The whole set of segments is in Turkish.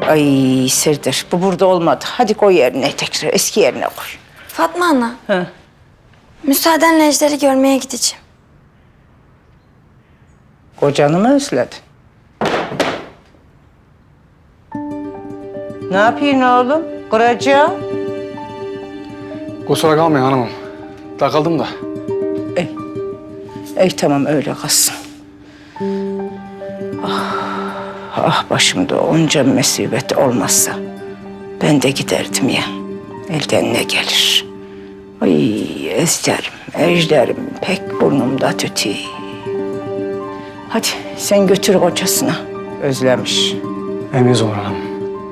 Ay Serdar, bu burada olmadı. Hadi koy yerine tekrar, eski yerine koy. Fatma ana. Ha. Müsaadenle Ejder'i görmeye gideceğim. Kocanı mı özledin? Ne yapıyorsun oğlum? Kıracağım. Kusura kalmayın hanımım. Takıldım da. Ey tamam öyle kalsın. Başımda onca musibet olmazsa ben de giderdim ya. Elden ne gelir? Ay ejderim pek burnumda tütüyor. Hadi sen götür kocasına. Özlemiş. Eminiz olun hanım.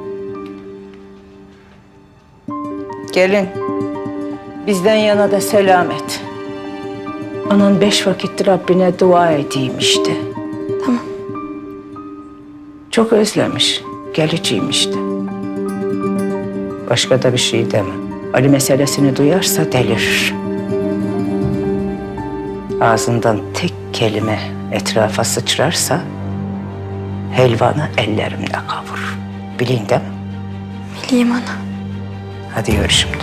Gelin. Bizden yana da selamet. Anan 5 vakittir Rabbine dua edeyim işte. Tamam. Çok özlemiş. Geleceğim işte. Başka da bir şey deme. Ali meselesini duyarsa delirir. Ağzından tek kelime etrafa sıçrarsa helvanı ellerimle kavurur. Bilin değil mi? Bileyim ana. Hadi yürü şimdi.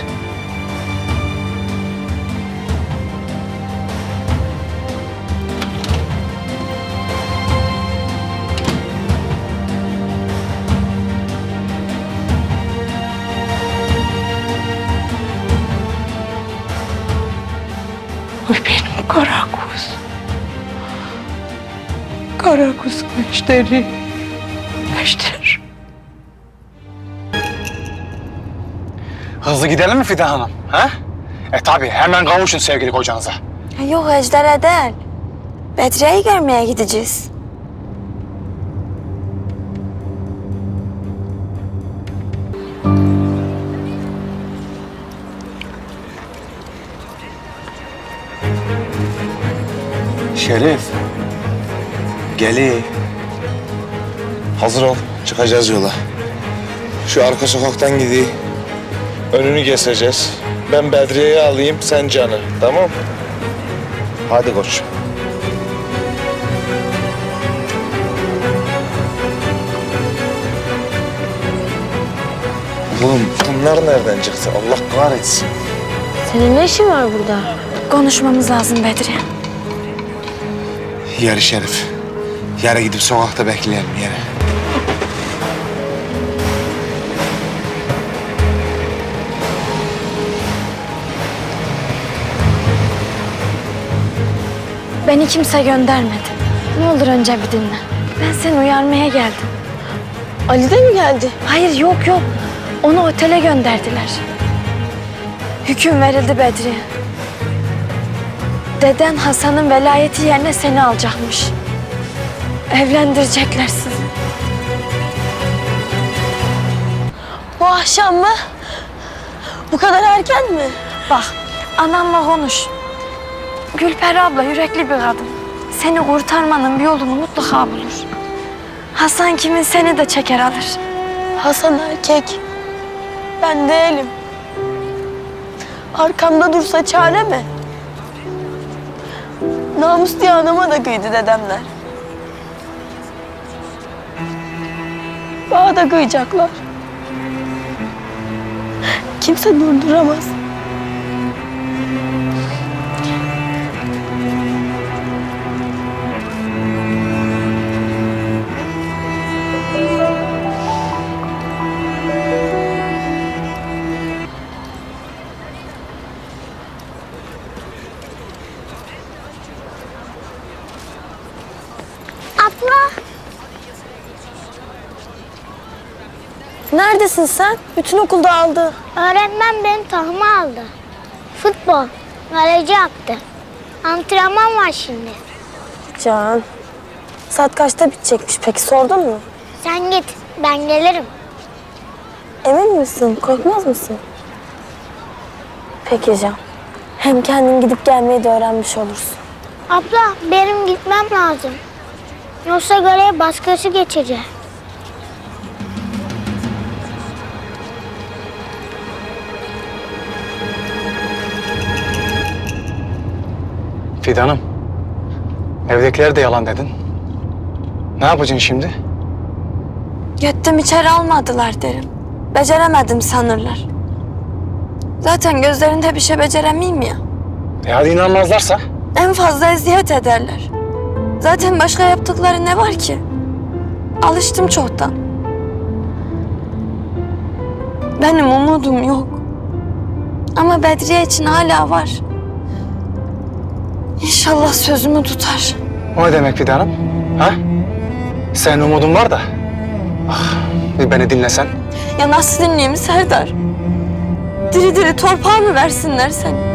Oy benim kara kuz. Kara kuz Ejder'i. Ejder. Hızlı gidelim mi Fidan Hanım? Ha? Tabii hemen kavuşun sevgili kocanıza. Yok Ejder'e değil. Bedriye'yi görmeye gideceğiz. Şerif. Geli. Hazır ol. Çıkacağız yola. Şu arka sokaktan gideyim. Önünü keseceğiz. Ben Bedriye'yi alayım, sen Can'ı. Tamam? Hadi koç. Oğlum bunlar nereden çıktı? Allah kahretsin. Senin ne işin var burada? Konuşmamız lazım Bedriye. Yarı Şerif. Yere gidip sokakta bekleyelim yere. Beni kimse göndermedi. Ne olur önce bir dinle. Ben seni uyarmaya geldim. Ali de mi geldi? Hayır yok. Onu otele gönderdiler. Hüküm verildi Bedriye. Deden Hasan'ın velayeti yerine seni alacakmış. Evlendirecekler sizi. Bu akşam mı? Bu kadar erken mi? Bak anamla konuş. Gülperi abla yürekli bir kadın. Seni kurtarmanın bir yolunu mutlaka bulur. Hasan kimin seni de çeker alır. Hasan erkek. Ben değilim. Arkamda dursa çare mi? Namus diye anama da kıydı dedemler. Bana da kıyacaklar. Kimse durduramaz. Abla. Neredesin sen? Bütün okul dağıldı. Öğretmen beni tahma aldı. Futbol. Kaleci yaptı. Antrenman var şimdi. Can. Saat kaçta bitecekmiş peki sordun mu? Sen git. Ben gelirim. Emin misin? Korkmaz mısın? Peki Can. Hem kendin gidip gelmeyi de öğrenmiş olursun. Abla benim gitmem lazım. Yoksa görev başkası geçecek. Fidan'ım. Evdekiler de yalan dedin. Ne yapacaksın şimdi? Gittim içeri almadılar derim. Beceremedim sanırlar. Zaten gözlerinde bir şey beceremeyim ya. Hadi inanmazlarsa? En fazla eziyet ederler. Zaten başka yaptıkları ne var ki? Alıştım çoktan. Benim umudum yok. Ama Bedriye için hala var. İnşallah sözümü tutar. O ne demek Fidan'ım? Ha? Senin umudun var da. Ah, bir beni dinlesen. Ya nasıl dinleyeyim Serdar? Diri diri torpağı mı versinler seni?